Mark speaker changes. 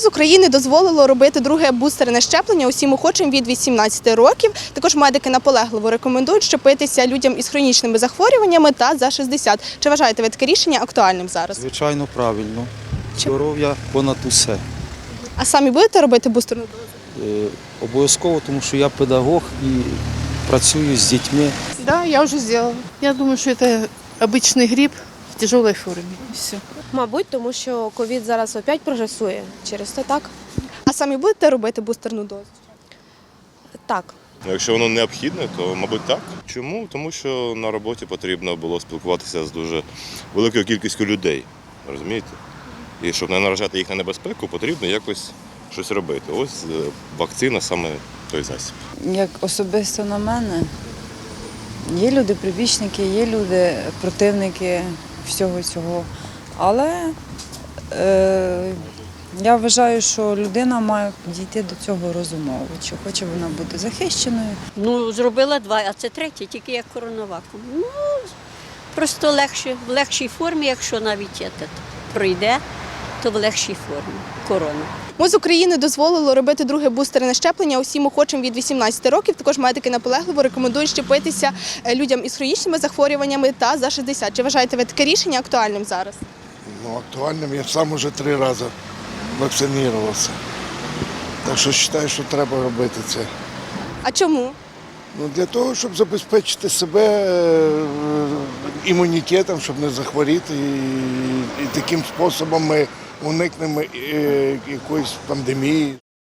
Speaker 1: МОЗ України дозволило робити друге бустерне щеплення усім охочим від 18 років. Також медики наполегливо рекомендують щепитися людям із хронічними захворюваннями та за 60. Чи вважаєте ви таке рішення актуальним зараз?
Speaker 2: Звичайно, правильно. Здоров'я понад усе.
Speaker 1: А самі будете робити бустерну дозу?
Speaker 2: Обов'язково, тому що я педагог і працюю з дітьми.
Speaker 3: Да, я уже сделала. Я думаю, что это обычный грипп в тяжелой форме. И все.
Speaker 4: Мабуть, тому що ковід зараз опять прогресує. Через це так?
Speaker 1: А самі будете робити бустерну дозу?
Speaker 4: Так.
Speaker 5: Якщо воно необхідне, то, мабуть, так. Чому? Тому що на роботі потрібно було спілкуватися з дуже великою кількістю людей, розумієте? І щоб не наражати їх на небезпеку, потрібно якось щось робити. Ось вакцина саме той засіб.
Speaker 6: Як особисто на мене, є люди прибічники, є люди противники всього цього. Але я вважаю, що людина має підійти до цього розумово, чи хоче вона бути захищеною.
Speaker 7: Ну, зробила два, а це третє, тільки як коронаваком. Ну, просто легше, в легшій формі, якщо навіть пройде, то в легшій формі корона.
Speaker 1: МОЗ України дозволило робити друге бустерне щеплення усім охочим від 18 років. Також медики наполегливо рекомендують щепитися людям із хронічними захворюваннями та за 60. Чи вважаєте ви таке рішення актуальним зараз?
Speaker 8: Ну, актуальним. Я сам уже 3 рази вакцинувався. Так що вважаю, що треба робити це.
Speaker 1: А чому?
Speaker 8: Ну, для того, щоб забезпечити себе імунітетом, щоб не захворіти. І таким способом ми уникнемо якоїсь пандемії.